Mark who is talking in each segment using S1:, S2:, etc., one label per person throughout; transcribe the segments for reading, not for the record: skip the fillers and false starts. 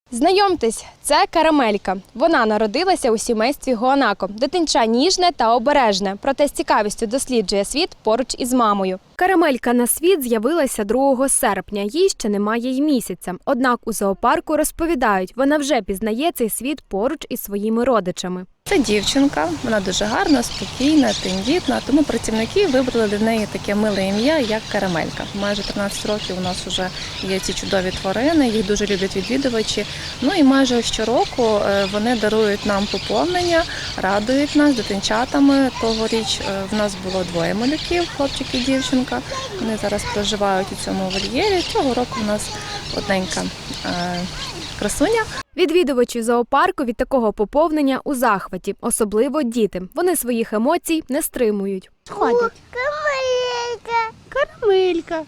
S1: Знайомтесь, це Карамелька. Вона народилася у сімействі гуанако. Дитинча ніжне та обережне, проте з цікавістю досліджує світ поруч із мамою. Карамелька на світ з'явилася 2 серпня, їй ще немає й місяця. Однак у зоопарку розповідають, вона вже пізнає цей світ поруч із своїми родичами.
S2: Це дівчинка, вона дуже гарна, спокійна, тендітна, тому працівники вибрали для неї таке миле ім'я, як Карамелька. Майже 13 років у нас вже є ці чудові тварини, їх дуже люблять відвідувачі. Ну і майже щороку вони дарують нам поповнення, радують нас дитинчатами. Тогоріч в нас було 2 малюків, хлопчик і дівчинка. Вони зараз проживають у цьому вольєрі. Цього року у нас одненька красуня.
S1: Відвідувачі зоопарку від такого поповнення у захваті, особливо діти. Вони своїх емоцій не стримують.
S3: Ходять.
S4: Карамелька.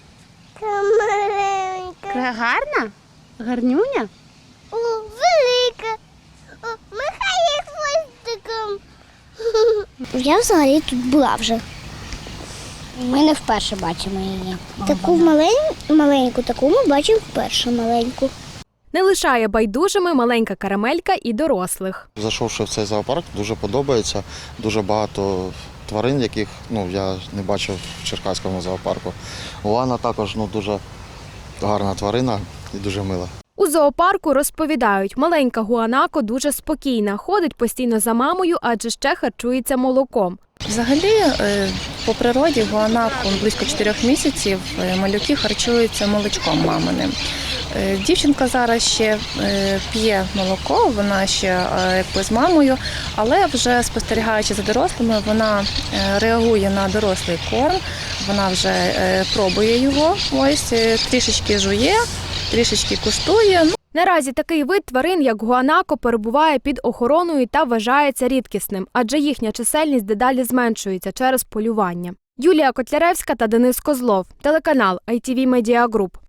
S3: Карамелька.
S4: Гарна? Гарнюня?
S3: О, велика. О, махає хвостиком. Я взагалі тут була вже.
S5: Ми не вперше бачимо її.
S3: Таку маленьку, таку ми бачимо вперше маленьку.
S1: Не лишає байдужими маленька Карамелька і дорослих.
S6: Зайшовши в цей зоопарк, дуже подобається. Дуже багато тварин, яких я не бачив в Черкаському зоопарку. Лана також дуже гарна тварина і дуже мила.
S1: У зоопарку розповідають, маленька гуанако дуже спокійна, ходить постійно за мамою, адже ще харчується молоком.
S2: Взагалі, по природі гуанако близько 4 місяців малюки харчуються молочком маминим. Дівчинка зараз ще п'є молоко, вона ще з мамою, але вже спостерігаючи за дорослими, вона реагує на дорослий корм, вона вже пробує його, трішечки жує, трішечки куштує.
S1: Наразі такий вид тварин, як гуанако, перебуває під охороною та вважається рідкісним, адже їхня чисельність дедалі зменшується через полювання. Юлія Котляревська та Денис Козлов. Телеканал ITV Media Group.